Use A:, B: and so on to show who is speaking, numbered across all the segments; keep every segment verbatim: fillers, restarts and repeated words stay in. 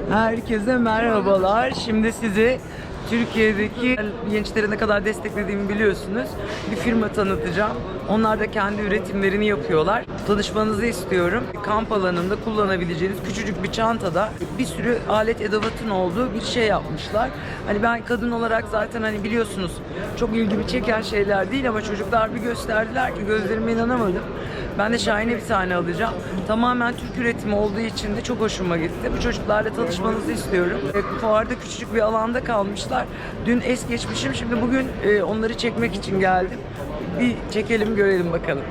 A: Herkese merhabalar. Şimdi size Türkiye'deki gençleri ne kadar desteklediğimi biliyorsunuz. Bir firma tanıtacağım. Onlar da kendi üretimlerini yapıyorlar. Tanışmanızı istiyorum. Kamp alanında kullanabileceğiniz küçücük bir çantada bir sürü alet edevatın olduğu bir şey yapmışlar. Hani ben kadın olarak zaten hani biliyorsunuz çok ilgimi çeken şeyler değil ama çocuklar bir gösterdiler ki gözlerime inanamadım. Ben de şahane bir tane alacağım. Tamamen Türk üretimi olduğu için de çok hoşuma gitti. Bu çocuklarla tanışmanızı istiyorum. E, fuarda küçücük bir alanda kalmışlar. Dün es geçmişim. Şimdi bugün e, onları çekmek için geldim. Bir çekelim görelim bakalım.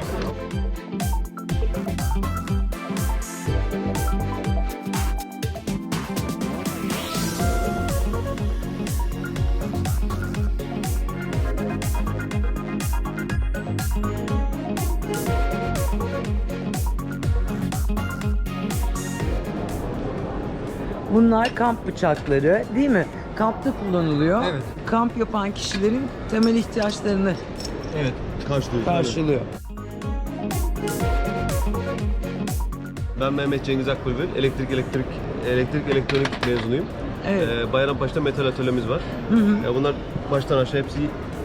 A: Bunlar kamp bıçakları değil mi? Kampta kullanılıyor.
B: Evet.
A: Kamp yapan kişilerin temel ihtiyaçlarını
B: Evet, karşılıyor.
A: karşılıyor.
B: Ben Mehmet Cengiz Akbülbül, elektrik elektrik elektrik elektronik mezunuyum.
A: Evet.
B: Ee, Bayrampaşa'da metal atölyemiz var.
A: Hı hı.
B: Ya bunlar baştan aşağı hepsi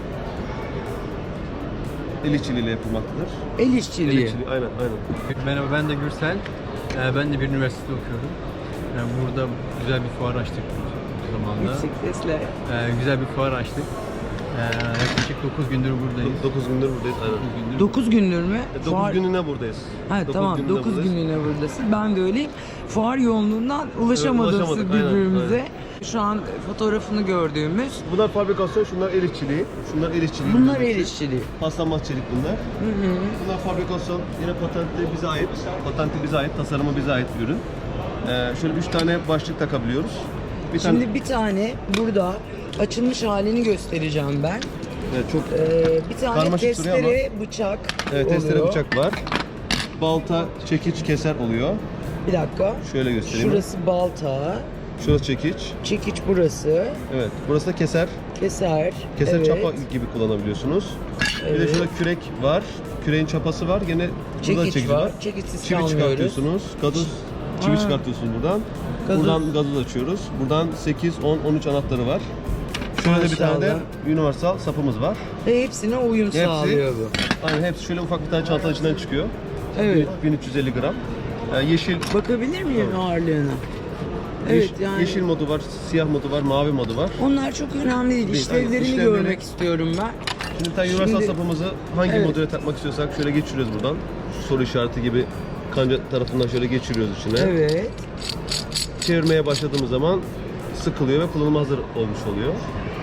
B: el işçiliğiyle yapılmaktadır.
A: El
B: El
A: işçiliği.
B: işçiliği, aynen aynen.
C: Merhaba, ben de Gürsel. Ee, Ben de bir üniversitede okuyorum. Yani burada güzel bir fuar açtık bu zamanda.
A: Yüksek sesle.
C: Ee, güzel bir fuar açtık. Ee, yaklaşık dokuz gündür buradayız.
B: dokuz gündür buradayız. Aynen.
C: dokuz gündür.
A: dokuz gündür mü?
B: dokuz
A: Fuar-
B: gününe buradayız.
A: Ha
B: Dokuz
A: tamam
B: gününe
A: dokuz
B: buradayız.
A: günlüğüne buradasın. Ben de öyleyim. Fuar yoğunluğundan ulaşamadık
B: Evet, ulaşamadık, aynen,
A: birbirimize. Şu an fotoğrafını gördüğümüz.
B: Bunlar fabrikasyon, şunlar el işçiliği. Şunlar el işçiliği.
A: Bunlar el işçiliği.
B: Paslanmaz çelik bunlar.
A: Hı hı.
B: Bunlar fabrikasyon, yine patenti bize ait. Patenti bize ait, tasarımı bize ait bir ürün. Ee, şöyle üç tane başlık takabiliyoruz. Bir
A: Şimdi
B: tane,
A: bir tane burada açılmış halini göstereceğim ben.
B: evet, çok
A: Ee, bir tane
B: Karmaşık duruyor
A: testere bıçak
B: evet, testere
A: oluyor.
B: bıçak var. Balta, çekiç, keser oluyor.
A: Bir dakika.
B: Şöyle göstereyim.
A: Şurası balta,
B: Şurası çekiç.
A: çekiç burası,
B: Evet. Burası da keser.
A: keser.
B: Keser
A: evet.
B: çapa gibi kullanabiliyorsunuz. Bir de
A: Evet.
B: şurada kürek var. Küreğin çapası var. Gene burada
A: Çekiç
B: çekiç
A: var.
B: var.
A: Çekiçsiz
B: Çivi
A: kalmıyoruz.
B: çıkartıyorsunuz. Gazoz çivi
A: Ha.
B: çıkartıyorsunuz buradan.
A: Gazoz.
B: Buradan gazoz açıyoruz. Buradan sekiz, on, on üç anahtarı var. Şöyle de bir tane de
A: Maşallah.
B: universal sapımız var.
A: Ve hepsine uyum
B: Hepsi-
A: sağlıyor bu.
B: Aynen hepsi şöyle ufak bir tane çantanın içinden çıkıyor.
A: Evet.
B: bin üç yüz elli gram. Yani yeşil
A: Bakabilir miyim ağırlığına? Evet
B: yeş-
A: yani.
B: yeşil modu var, siyah modu var, mavi modu var.
A: Onlar çok önemli değil.
B: Değil,
A: İşlevlerini
B: aynen. İşlevleri-
A: görmek istiyorum ben.
B: Şimdi bir tane universal
A: Şimdi-
B: sapımızı hangi
A: Evet.
B: modüle takmak istiyorsak şöyle geçiriyoruz buradan. Şu soru işareti gibi kanca tarafından şöyle geçiriyoruz içine.
A: Evet.
B: Çevirmeye başladığımız zaman sıkılıyor ve kullanıma hazır olmuş oluyor.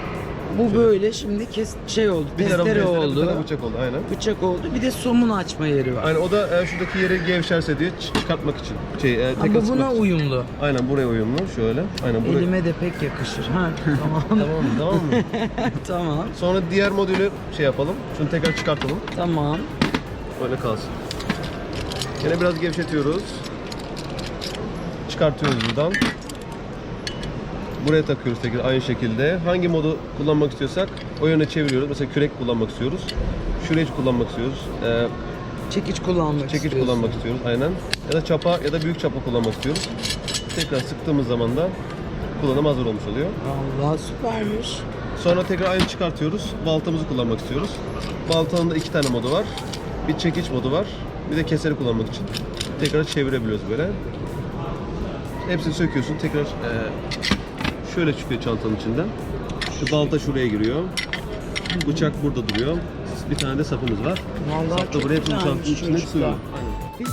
A: Bu böyle şimdi kes şey oldu.
B: Bir tarafı
A: testere
B: testere,
A: oldu.
B: bir tarafı bıçak oldu aynen.
A: Bıçak oldu. Bir de somun açma yeri var.
B: Aynen o da e, şuradaki yeri gevşerse diye ç- çıkartmak için. Şey, e,
A: Ha,
B: tek
A: bu
B: atmak
A: buna
B: için.
A: uyumlu.
B: Aynen buraya uyumlu şöyle. Aynen buraya.
A: Elime de pek yakışır. Ha tamam.
B: Tamam mı? Tamam mı?
A: Tamam.
B: Sonra diğer modülü şey yapalım. Şunu tekrar çıkartalım.
A: Tamam.
B: Böyle kalsın. Yine biraz gevşetiyoruz. Çıkartıyoruz buradan. Buraya takıyoruz tekrar aynı şekilde. Hangi modu kullanmak istiyorsak o yöne çeviriyoruz. Mesela kürek kullanmak istiyoruz. Şurayı kullanmak istiyoruz. Ee,
A: Çekiç kullanmak
B: çekiç
A: istiyorsun.
B: kullanmak istiyoruz aynen. Ya da çapa ya da büyük çapa kullanmak istiyoruz. Tekrar sıktığımız zaman da kullanıma hazır olmuş oluyor.
A: Allah süpermiş.
B: Sonra tekrar aynı çıkartıyoruz. Baltamızı kullanmak istiyoruz. Baltanın da iki tane modu var. Bir çekiç modu var. Bir de keseri kullanmak için. Tekrar çevirebiliyoruz böyle. Hepsini söküyorsun. Tekrar e, şöyle çıkıyor çantanın içinden. Şu balta şuraya giriyor. Bıçak burada duruyor. Bir tane de sapımız var.
A: Vallahi
B: Sap da
A: çok
B: buraya hepsini
A: güzelmiş
B: çantanın içine
A: çocuklar.
B: sığıyor. Aynen.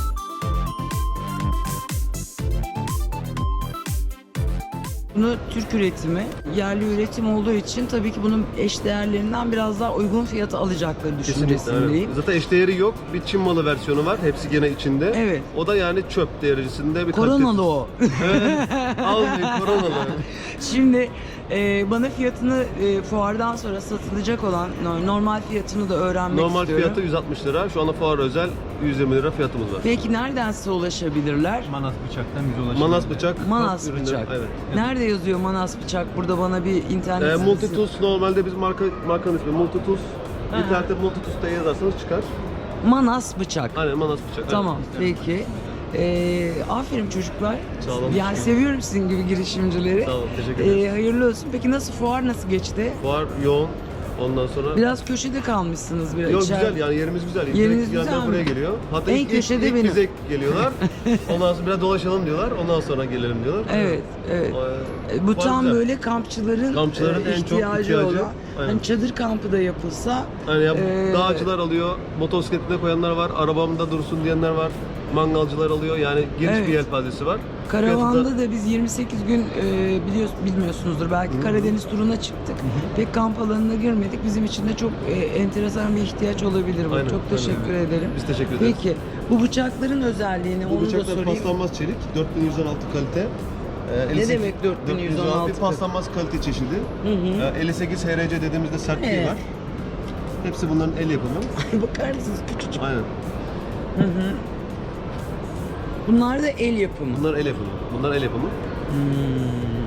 A: Bunu Türk üretimi, yerli üretim olduğu için tabii ki bunun eşdeğerlerinden biraz daha uygun fiyata alacakları
B: Kesinlikle,
A: düşüncesindeyim.
B: evet. Zaten eşdeğeri yok. Bir Çin malı versiyonu var. Hepsi gene içinde.
A: Evet.
B: O da yani çöp derecesinde bir
A: Koronalı o.
B: Evet. Almayın koronalı.
A: Şimdi e, bana fiyatını e, fuardan sonra satılacak olan no- normal fiyatını da öğrenmek
B: Normal
A: istiyorum.
B: fiyatı yüz altmış lira. Şu anda fuar özel yüz yirmi lira fiyatımız var.
A: Peki nereden size ulaşabilirler?
C: Manas bıçaktan bize ulaşabilir.
B: Manas bıçak.
A: Manas
B: top ürünleri-
A: bıçak.
B: Evet.
A: Nerede yazıyor Manas bıçak? Burada bana bir internet
B: Ee,
A: sitesi-
B: Multitools normalde biz marka markanın ismi Multitools.
A: Hı hı.
B: İnternette Multitools diye yazarsanız çıkar.
A: Manas bıçak.
B: Aynen Manas bıçak.
A: Tamam
B: Evet.
A: peki. Ee, aferin çocuklar.
B: Sağ olun.
A: Yani seviyorum sizin gibi girişimcileri.
B: Sağ olun, teşekkür ederiz.
A: Ee, hayırlı olsun. Peki nasıl, fuar nasıl geçti?
B: Fuar yoğun. Ondan sonra...
A: Biraz köşede kalmışsınız biraz.
B: Yok
A: içeride.
B: güzel yani yerimiz güzel.
A: Yeriniz
B: Direkt
A: güzel
B: yandan buraya
A: mi?
B: geliyor. Hatta
A: En
B: ilk,
A: köşede
B: ilk, ilk
A: benim.
B: bize geliyorlar. Ondan sonra biraz dolaşalım diyorlar. Ondan sonra gelelim diyorlar.
A: Evet, evet.
B: Ee,
A: Bu
B: fuar
A: tam
B: güzel.
A: böyle kampçıların,
B: Kampçıların
A: e,
B: en çok
A: ihtiyacı,
B: ihtiyacı.
A: olan.
B: Aynen.
A: Hani çadır kampı da yapılsa.
B: Yani ya,
A: e,
B: dağcılar alıyor, motosikletine koyanlar var, arabamda dursun diyenler var, mangalcılar alıyor. Yani geniş
A: Evet.
B: bir yelpazesi var.
A: Karavanda
B: Fiyatı
A: da biz yirmi sekiz gün e, biliyoruz, bilmiyorsunuzdur belki, Karadeniz turuna çıktık. Pek kamp alanına girmedik. Bizim için de çok e, enteresan bir ihtiyaç olabilir bu.
B: Aynen,
A: çok teşekkür
B: aynen.
A: ederim.
B: Biz teşekkür ederiz.
A: Peki bu bıçakların özelliğini
B: Bu
A: onu da
B: bıçaklar
A: sorayım.
B: paslanmaz çelik, dört bin yüz on altı kalite. Ee, elli sekiz
A: demek dört bin yüz on altı?
B: Bir paslanmaz kalite çeşidi.
A: Hı hı.
B: Ee, elli sekiz H R C dediğimizde sertliği
A: Evet.
B: var. Hepsi bunların el yapımı.
A: Bakar mısınız, küçücük.
B: Aynen.
A: Hı hı. Bunlar da el yapımı.
B: Bunlar el yapımı. Bunlar el yapımı.
A: Hmm.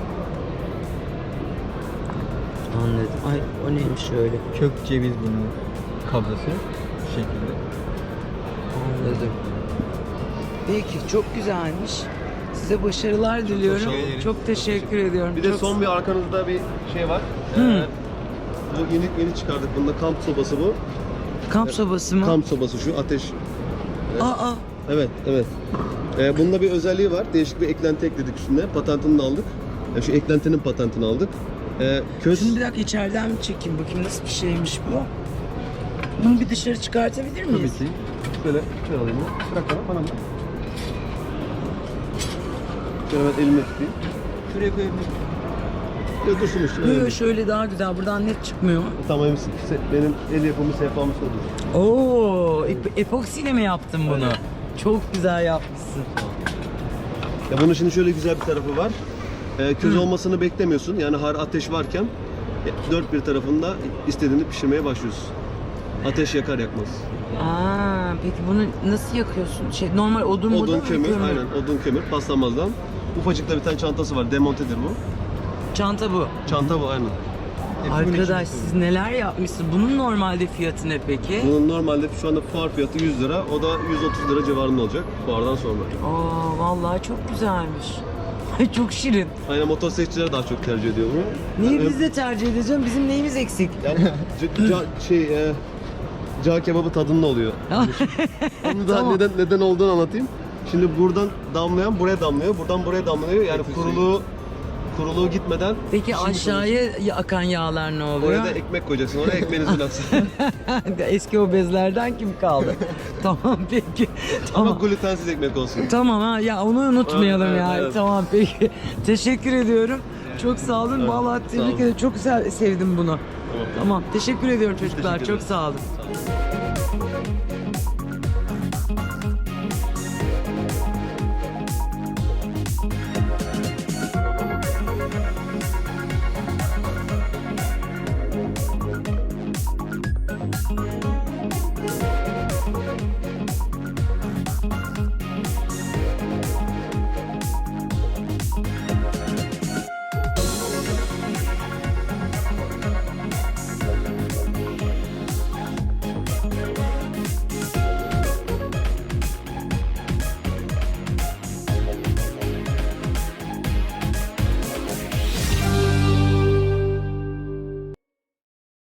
A: Anladım. Ay o neymiş öyle?
C: Kök ceviz bunun kabzası bu şekilde.
A: Anladım. Peki çok güzelmiş. Size başarılar diliyorum.
C: teşekkür ederim.
A: Çok teşekkür ediyorum.
B: Bir de
A: Çok-
B: son bir arkanızda bir şey var.
A: Hı.
B: Ee, bu yeni yeni çıkardık. Bunda kamp sobası bu.
A: kamp sobası mı?
B: Kamp sobası şu ateş.
A: Aa,
B: Evet, evet. Ee, bunda bir özelliği var. Değişik bir eklenti ekledik üstüne. Patentini de aldık. Yani şu eklentinin patentini aldık. Ee, köz...
A: şimdi bir dakika içeriden mi çekeyim bakayım nasıl bir şeymiş bu? Bunu bir dışarı çıkartabilir miyiz?
B: Tabii ki. Şöyle, şöyle alayım bunu. Bırak bana, bana bırak. Şöyle ben elimle tutayım.
C: Şuraya koyabilirim.
B: Ya dursun üstüne.
A: Böyle
B: öyle.
A: şöyle daha güzel. Buradan net çıkmıyor.
B: Tamam eminsin. Se- Benim el yapımı sehpamı sordur.
A: Oo, ep- epoksiyle mi yaptın bunu?
B: Aynen.
A: Çok güzel yapmışsın.
B: Ya bunun şimdi şöyle güzel bir tarafı var. Ee, köz olmasını beklemiyorsun. Yani har ateş varken e, dört bir tarafında istediğini pişirmeye başlıyorsun. Ateş yakar yakmaz.
A: Aa, peki bunu nasıl yakıyorsun? Şey normal odun
B: Odun,
A: mu,
B: kömür, aynen odun, kömür, paslanmazdan. Ufacık da bir tane çantası var, demontedir bu.
A: Çanta bu.
B: Çanta bu aynen.
A: Arkadaş siz neler yapmışsınız? Bunun normalde fiyatı ne peki?
B: Bunun normalde şu anda fuar fiyatı yüz lira, o da yüz otuz lira civarında olacak fuardan sonra.
A: Aa, vallahi çok güzelmiş. Ay çok şirin.
B: Aynen motosikletçiler daha çok tercih ediyor bunu.
A: Niye
B: Yani-
A: biz de tercih edeceğim? Bizim neyimiz eksik?
B: Yani c- ca- şey, e, cağ kebabı tadında oluyor. Onu da
A: Tamam.
B: neden neden olduğunu anlatayım. Şimdi buradan damlayan buraya damlıyor, buradan buraya damlıyor. Yani kuruluğu kuruluğu gitmeden.
A: Peki
B: Şimdi
A: aşağıya akan yağlar ne oluyor?
B: Oraya da ekmek koyacaksın. Oraya ekmeğinizi bıraksın.
A: Eski o bezlerden kim kaldı? Tamam peki.
B: Ama
A: Tamam.
B: glutensiz ekmek olsun.
A: Tamam ha ya onu unutmayalım
B: Evet,
A: ya.
B: evet.
A: Tamam peki. Teşekkür ediyorum. Çok sağ olun.
B: Evet,
A: Vallahi
B: sağ
A: tebrik
B: olun.
A: ederim. Çok güzel sevdim bunu.
B: Tamam.
A: Tamam. Teşekkür ediyorum çocuklar.
B: teşekkür
A: Çok
B: ederiz.
A: sağ olun.